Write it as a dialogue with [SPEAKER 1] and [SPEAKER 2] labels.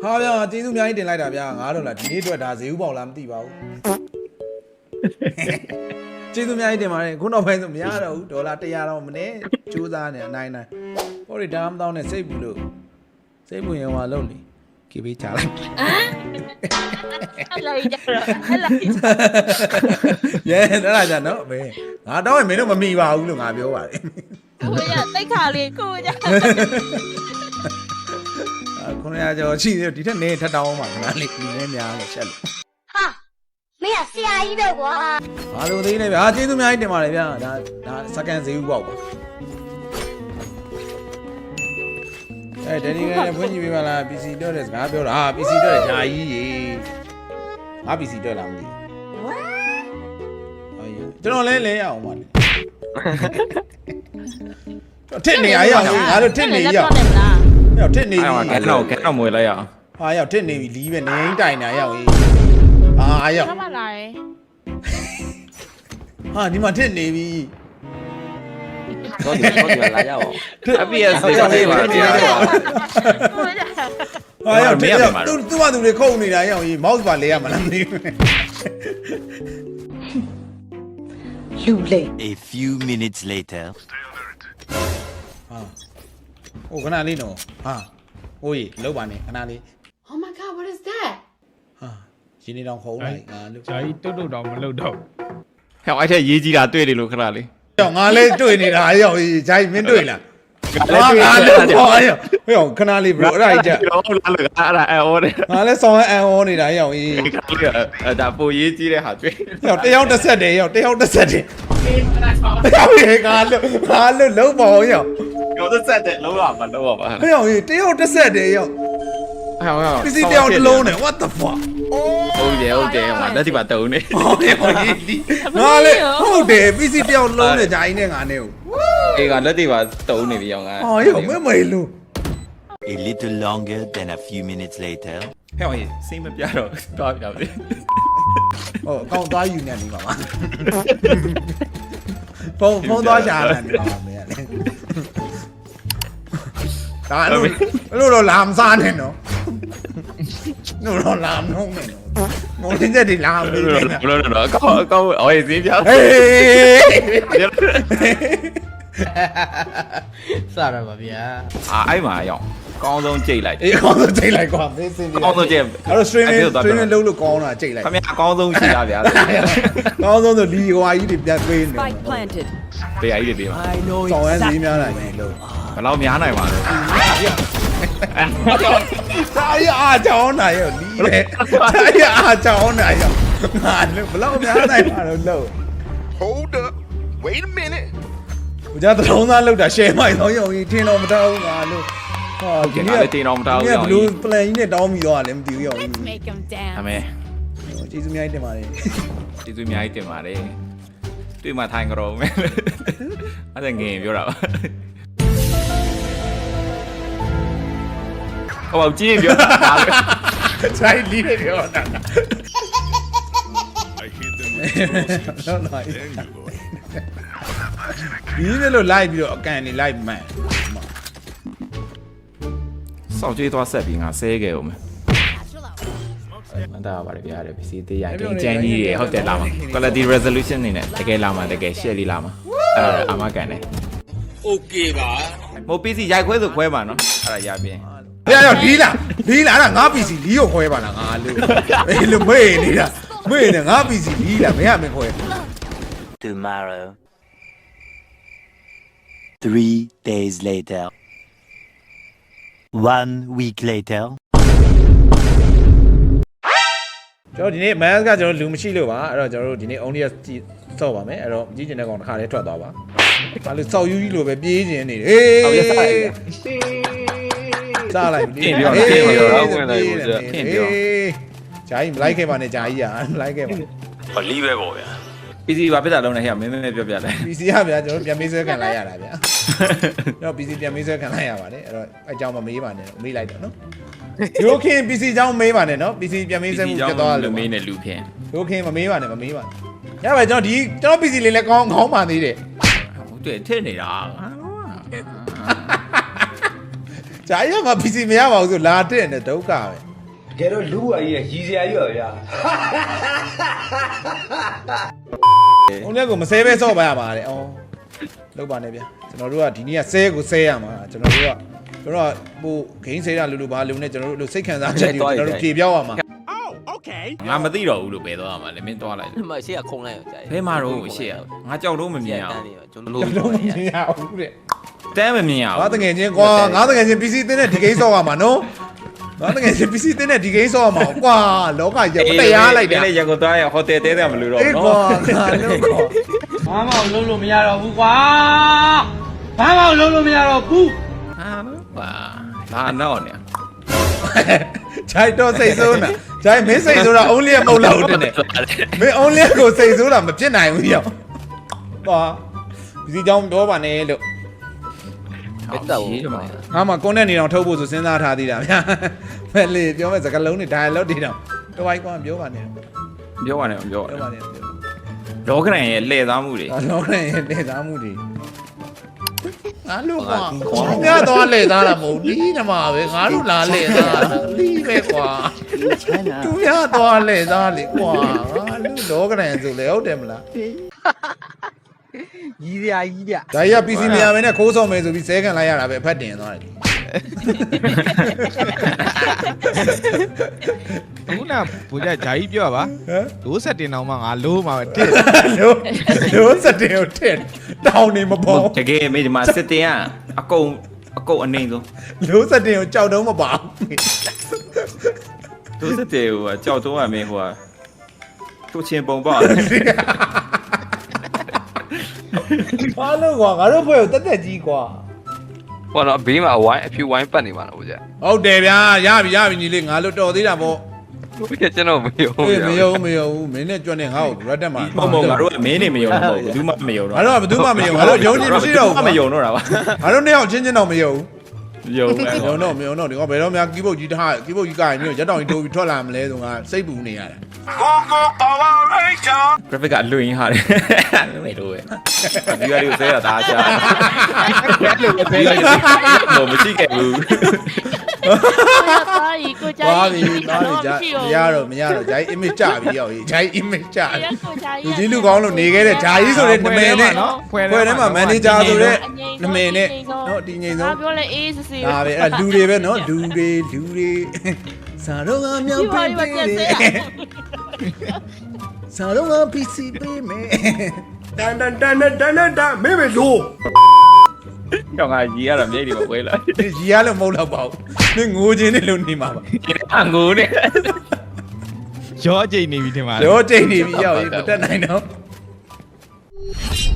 [SPEAKER 1] ဟာဗျာကျေးဇူးအများကြီးတင်လိုက်တာဗျာ$ဒီနေ့အတွက်ဒါဈေးဥပေါက်လားမသိပါဘူးကျေးဇူးအများကြီးတင်ပါတယ်ခုနောက်ပိုင်းဆိုမရတော့ဘူး$100တော့မနဲ့ကြိုးစားနေအနိုင်နိုင်ဟိုဒီဒါမှမတော့နဲ့စိတ်ဘူးလို့စိတ်ဘူးရင်ဟွာလုံးလေကေဘေးချလိုက်
[SPEAKER 2] အဲ့လာကြတော့အဲ့လာ
[SPEAKER 1] ရဲအဲ့ဒါကြနော်မင်းငါတော့မင်းတို့မမိပါဘူးလို့ငါပြောပါတယ်
[SPEAKER 2] ကိုရတိတ်ခါလေးကိုရ
[SPEAKER 1] 900ကျော်ရှိသေးတယ်ဒီထက်နေထက်တောင်းပါငါလေးဒီနေ့များလို့ချက်လို့
[SPEAKER 3] ဟာမင်းကဆရာကြီးပဲကွာ
[SPEAKER 1] ဘာလို့သေးလဲဗျာကျေးဇူးအများကြီးတင်ပါတယ်ဗျာဒါစကန်ဈေးဥပေါက်ပါဒန်နီကလည်းဖွင့်ကြည့်ပေးပါလား PC တော့တဲ့စကားပြောတာဟာ PC တော့တဲ့ဂျာကြီးရေငါ PC တော့လားမသိဘူးကျွန်တော်လဲရအောင်ပါလေထစ်နေရအောင်ငါတို့ထစ်နေရအောင်ရောက်ထစ်နေပြီ
[SPEAKER 4] ကတော့မွေလိုက်ရအောင်
[SPEAKER 1] ဟာရောက်ထစ်နေပြီလီးပဲနေတိုင်နေရအောင်ဟာရောက်
[SPEAKER 2] ဆက်ပါလာရယ်
[SPEAKER 1] ဟာဒီမှာထစ်နေပြီ
[SPEAKER 4] တော့ဒီလာရအောင်အပြည့်ဆေးဆေးပါတရား
[SPEAKER 1] ဟာရောက်ထစ်သူ့ဘာသူတွေခုတ်နေတာရအောင်ကြီး mouse ပါလဲရမလားမသိဘူး
[SPEAKER 3] လူလေ
[SPEAKER 5] A few minutes later
[SPEAKER 1] ဟိုခဏလေးနော်ဟာဟိုကြီးလောက်ပါနဲ့ခဏလေး
[SPEAKER 3] Oh my god what is that
[SPEAKER 1] ဟာရင်းနေတောင်ခုံးလိုက်ငါလို့
[SPEAKER 6] ဂျာကြီးတုတ်တောင်မလုပ်တော့
[SPEAKER 4] ဟဲ့အဲ့ထက်ရေးကြီးတာတွေ့တယ်လို့ခဏလေး
[SPEAKER 1] ကြောင်ငါလဲတွေ့နေတာရောက်ကြီးဂျာကြီးမင်းတွေ့လားငါလဲဟောရောက်ဟဲ့ခဏလေး bro အဲ့ဒါကြီးကြ
[SPEAKER 4] တော့လာလို့အဲ့ဒါအော်တယ်
[SPEAKER 1] ငါလဲဆောင်းအန်အောနေတာရောက်ကြီး
[SPEAKER 4] ဒါပိုရေးကြီးတဲ့ဟာတွေ့
[SPEAKER 1] ရောက်တယောက်တစ်ဆက်တယ်ရောက်တယောက်တစ်ဆက်တယ်ရောက်ငါလို့လုံးပါအောင်ရောက်
[SPEAKER 4] တော့ဆက်တယ်လုံးဝမလုံးဝပါ
[SPEAKER 1] ဟဲ့ရောက်ကြီးတယောက်တစ်ဆက်တယ်ရောက်
[SPEAKER 4] ဟဲ့
[SPEAKER 1] ပစ္စည်းတယောက်တစ်လုံးနဲ့ what the fuck
[SPEAKER 4] ဟုတ်တယ်ငါလက်ဒီပါတုံးနေ
[SPEAKER 1] ဟုတ်တယ်ငါလေဟုတ်တယ်ပစ္စည်းတယောက်လုံးနဲ့ဂျာကြီးနဲ့ငါနဲ့ကို
[SPEAKER 4] အေးကလက်ဒီပါတုံးနေပြီအောင်ငါ
[SPEAKER 1] ဟောရောက်မဲလို့
[SPEAKER 5] A little longer than a few minutes later
[SPEAKER 4] ဟဲ့စိတ်မပြတော့သွားပြပြီ
[SPEAKER 1] ဟုတ်အကောင့်သွားယူနေနေပါပါဖုန်းသွားရှာနေပါပါမင်းကလေဒါလို့တော့လာမစားနဲ့နော်လို့တော့လာမနှုံးနဲ့နော်မော်တင်တဲ့ဒီလာမပြီးနဲ့
[SPEAKER 4] လို့တော့အကောင့်အော်ရေးပြ
[SPEAKER 1] ဟေး
[SPEAKER 6] စရပါဗျာ
[SPEAKER 4] အဲ့မှာရောက်ကောင်းဆုံးကြိတ်လိုက်
[SPEAKER 1] အေးအကောင်းဆုံးကြိတ်လိုက်ကွာမင်းစင်ဒီ
[SPEAKER 4] ကောင်းဆုံးကြိတ်
[SPEAKER 1] အဲ့တော့ streaming လုပ်လို့ကောင်းတာကြိတ်လိုက်
[SPEAKER 4] ခင်ဗျာအကောင်းဆုံးရှိတာဗျာ
[SPEAKER 1] ကောင်းဆုံးဆိုလီဟွာကြီးတွေပြန်ပေးနေ
[SPEAKER 4] တရားကြီးတွေပေးပါ
[SPEAKER 1] ဆောင်းရမ်းဈေးများနိုင်ပြီလို့
[SPEAKER 4] ဘယ်လောက်များနိုင်ပါလဲ
[SPEAKER 1] စာရအားကြောင်းနိုင်ရောလီလေစာရအားကြောင်းနိုင်ရောငါလည်းဘယ်လောက်များနိုင်ပါလို့
[SPEAKER 7] Hold up wait a minute
[SPEAKER 1] ဟိုကြသုံးသားလောက်တာ share မိုက်တော့ရောထင်းတော့မတောင်းဘူးငါလို့
[SPEAKER 4] ဟာဒီနေ့လည်းတင်တော့မတောင်းဘူး
[SPEAKER 1] ဘယ်လို plan ကြီးနဲ့တောင်းပြီးတော့လည်းမသိဘူးရော
[SPEAKER 4] အမေ
[SPEAKER 1] ကျေးဇူးအများကြီးတင်ပါတယ်
[SPEAKER 4] ကျေးဇူးအများကြီးတင်ပါတယ်တွေ့မှထိုင်ကြတော့မယ်အဲ့ဒါငင်ပြောတာပါဟောကြည့်ပြောတာ
[SPEAKER 1] စိုက်လီးပြောတာဒီနေ့လို့ live ပြီးတော့အကန်နေ live မှန်
[SPEAKER 4] စောက်ကျွေးသွားဆက်ပြီးငါဆဲခဲ့ဦးမယ်မတားပါလေဗျာတဲ့ PC သေးရခင်ကျန်းကြီးတွေဟုတ်တယ်လာမှာ quality resolution နေနဲ့တကယ်လာမှာတကယ် share လေးလာမှာအဲ့ဒါအာမကန်တယ်
[SPEAKER 7] Okay ပါ
[SPEAKER 4] မဟုတ် PC ရိုက်ခွဲဆိုခွဲပါနော်အဲ့ဒါရပြင်
[SPEAKER 1] ရလီးလားအဲ့ဒါငါ PC လီးကိုခွဲပါလားငါလို့အေးလို့မေ့နေတာငါ PC လီးလားမင်းခွဲ
[SPEAKER 5] Tomorrow 3 days later 1 week later
[SPEAKER 1] ကျွန်တော်ဒီနေ့ mask ကကျွန်တော်လူမရှိလို့ပါအဲ့တော့ကျွန်တော်တို့ဒီနေ့ only ကြည့်စော့ပါမယ်အဲ့တော့ကြည့်ကျင်တဲ့ကောင်တစ်ခါလေးထွက်သွားပါဘာလို့စောက်ယူကြီးလိုပဲပြေးကျင်နေတယ်ဟေးစားလိုက်
[SPEAKER 4] ပြင်ပြောတော့ဝင်လိုက်ဘူးပြင်ပြော
[SPEAKER 1] ဂျာကြီးမလိုက်ခဲ့ပါနဲ့ဂျာကြီးမလိုက်ခဲ့ပါ
[SPEAKER 4] ဟောလီးပဲပေါ့ဗျာ PC ဘာဖြစ်တာလုံးလဲဟဲ့မင်းပြောပြလိုက်
[SPEAKER 1] PC ကဗျာကျွန်တော်ပြန်မေးဆွဲခံလိုက်ရတာဗျာကျွန်တော် PC ပြန်မေးဆွဲခံလိုက်ရပါတယ်အဲ့တော့အကြောင်းမမေးပါနဲ့မေးလိုက်တော့နော်ဒိုခင် PC အကြောင်းမေးပါနဲ့နော် PC ပြန်မေးဆွဲမှုပြတ်သွားလို့
[SPEAKER 4] မေးနေလူခင်
[SPEAKER 1] ဒိုခင်မမေးပါနဲ့ရပါကျွန်တော် PC လေးလည်းကောင်းပါသေးတယ်
[SPEAKER 4] ဟုတ်တယ်ထည့်နေတာ
[SPEAKER 1] ဂျာကြီးက PC မရပါဘူးဆိုလာတဲ့နဲ့ဒုက္ခပဲ
[SPEAKER 8] ကယ်တော့လူ့ဘဝကြီးရည်စရာကြီးပါဗျာ
[SPEAKER 1] ။ုံလက်ကိုမဆဲပဲစော့ပါရပါတဲ့။အော်လောက်ပါနဲ့ဗျာ။ကျွန်တော်တို့ကဒီနေ့ကဆဲကိုဆဲရမှာကျွန်တော်တို့ဟိုဂိမ်းဆဲတာလူဘာလူနဲ့ကျွန်တော်တို့စိတ်ခံစားချက်တွေကျွန်တော်တို့ပြေပြောင်းရမှာ
[SPEAKER 4] ငါမသိတော့ဘူးလို့ပဲသွားရမှာလေမင်းသွားလိုက်
[SPEAKER 9] မရှေ့ကခုံလိုက်ကြိုက်
[SPEAKER 4] ဘဲမှာတော့ရှေ့ကငါကြောက်တော့မမြင်အောင်
[SPEAKER 9] ကျွန်
[SPEAKER 1] ။
[SPEAKER 9] တော်
[SPEAKER 1] ကျွန်တော်မမြင်ရဘူးတဲ့
[SPEAKER 4] တမ်းမမြင်အောင်
[SPEAKER 1] ။ငါတငယ်ချင်းကွာငါတငယ်ချင်း PC တင်းတဲ့ဒီဂိမ်းစော့ရမှာနော်။ငါတငယ်ချင်း PC တင်းတဲ့ဒီဂိမ်းစော့ရမှာကွာလောကကြီးမတရားလိုက်တာ
[SPEAKER 4] လေရကိုသွားရဟိုတယ်တဲတယ်မလို့တော့
[SPEAKER 1] အေးကွာငါလို့ကွာ
[SPEAKER 6] ဘာမှလုံးလို့မရတော့ဘူးကွာဘာမှလုံးလို့မရတော့ဘူး
[SPEAKER 4] ဟာနော်ပါလာတော့နေ
[SPEAKER 1] ဂျိုက်တော့စိတ်ဆိုးနေဂျိုက်မင်းစိတ်ဆိုးတာ only မဟုတ်တော့ဘူးတဲ့မင်း only ကိုစိတ်ဆိုးတာမဖြစ်နိုင်ဘူးရောကွာဒီကြောင်ပြောပါနဲ့လို့
[SPEAKER 9] ဘယ်တော့ဘူး
[SPEAKER 1] ငါမှကွန်တဲ့နေအောင်ထုတ်ဖို့ဆိုစဉ်းစားထားသေးတာဗျာဖက်လေပြောမဲ့စကားလုံးတွေ dialogue တွေတော့တဝိုင်းကွာပြောပါနဲ့
[SPEAKER 4] ပြောပါနဲ့ပြော
[SPEAKER 1] ပြောပါနဲ့
[SPEAKER 4] လောကရန်ရဲ့လှည့်သားမှုတွေ
[SPEAKER 1] လောကရဲ့နေသားမှုတွေငါတို့ကွာငါတော့လေသားတာမဟုတ်ဒီနမှာပဲငါတို့လာလေသားလီးပဲကွာသူများတော့လေသားလေကွာငါတို့လောကရန်ဆိုလေဟုတ်တယ်မလား
[SPEAKER 6] ကြီးစရာကြီးဗျ
[SPEAKER 1] ဒါကြီးက PC မရမယ်နဲ့ခိုးဆောင်မယ်ဆိုပြီးဆဲခံလိုက်ရတာပဲဖတ်တင်သွားတယ်
[SPEAKER 6] ခုနဘူကြဂျာကြီးပြောပါ
[SPEAKER 1] ဟမ်
[SPEAKER 6] လို့ဆက်တင်အောင်မှငါလို့မှာပဲတစ်
[SPEAKER 1] လို့စတဲ့ကိုတဲ့တောင်းနေမပေါ်
[SPEAKER 4] တကယ်မေဒီမှာစစ်တင်ကအကုန်အနေဆုံး
[SPEAKER 1] လို့စတဲ့ကိုကြောက်တော့မပါဘူး
[SPEAKER 4] သူစစ်တယ်ဟိုကြောက်တော့ရမင်းဟိုသူချင်းပုံပေါ့
[SPEAKER 1] ဘာလို့ကွာငါတို့ဖွဲ့ကိုတက်တက်ကြီးကွာ
[SPEAKER 10] ဟောတော့ဘေးမှာဝိုင်းအဖြူဝိုင်းပတ်နေမှာတော့ဗျာ
[SPEAKER 1] ဟုတ်တယ်ဗျာရပြီညီလေးငါတို့တော်သေးတာပေါ့
[SPEAKER 10] ဘယ်ကျွန်တော်မယုံ
[SPEAKER 1] အေးမယုံမင်းနဲ့ကြွနဲ့ငါ့ကိုရက်တက်မှာ
[SPEAKER 4] မဟုတ်ငါတို့ကမင်းနေမယုံတော့ဘူးဘူးမှမယုံတော့
[SPEAKER 1] ငါတို့ကဘယ်သူမှမယုံငါတို့ယုံကြည်မရှိတော့ဘူး
[SPEAKER 4] မယုံတော့တာပါ
[SPEAKER 1] ငါတို့နှစ်ယောက်ချင်းချင်းတော့မယုံ
[SPEAKER 4] ယုံမယ်
[SPEAKER 1] မယုံတော့ဒီကဘယ်တော့မှကီးဘုတ်ကြီးထားကီးဘုတ်ကြီးကရင်မျိုးရက်တောင်ကြီးတိုးပြီးထွက်လာမလဲဆိုငါစိတ်ပူနေရတယ်
[SPEAKER 4] graphic ကအလွင်ဟာတယ်မေတို့ပဲဒီကလေးကိုဆဲရတာချာလို့မရှိခဲ့ဘူး
[SPEAKER 2] သွားရီကိုကြာ
[SPEAKER 1] သွားပြီကြာမရတော့ဂျိုင်း image ကြပြီရောက်ဂျိုင်း image ကြပြီလူကြီးလူကောင်းလို့နေခဲ့တဲ့ဂျာကြီးဆိုတဲ့နမည်နဲ့ဖွဲ့ထဲမှာ manager ဆိုတဲ့နမည်နဲ့နော်ဒီငိမ့်ဆုံး
[SPEAKER 2] ပြောလဲအေးစစ်စစ်
[SPEAKER 1] ဒါပဲအဲ့လူတွေပဲနော်လူတွေစာတော့ငါမြောက်ပေးစာတော့ငါ PC ပေးမယ်
[SPEAKER 8] တန်မေမေလို့
[SPEAKER 4] ကြောင်ကကြီးရတာမြိတ်တွေပဲဝဲလာ
[SPEAKER 1] ရီရလို့မဟုတ်တော့ပါဘူးနင်ငိုခြင်းနဲ့လို့နေမှာပါ
[SPEAKER 4] အငိုနဲ့
[SPEAKER 6] ရောကြိတ်နေပြီထင်ပါ
[SPEAKER 1] ရောတိတ်နေပြီရောက်ရင်မတက်နိုင်တော့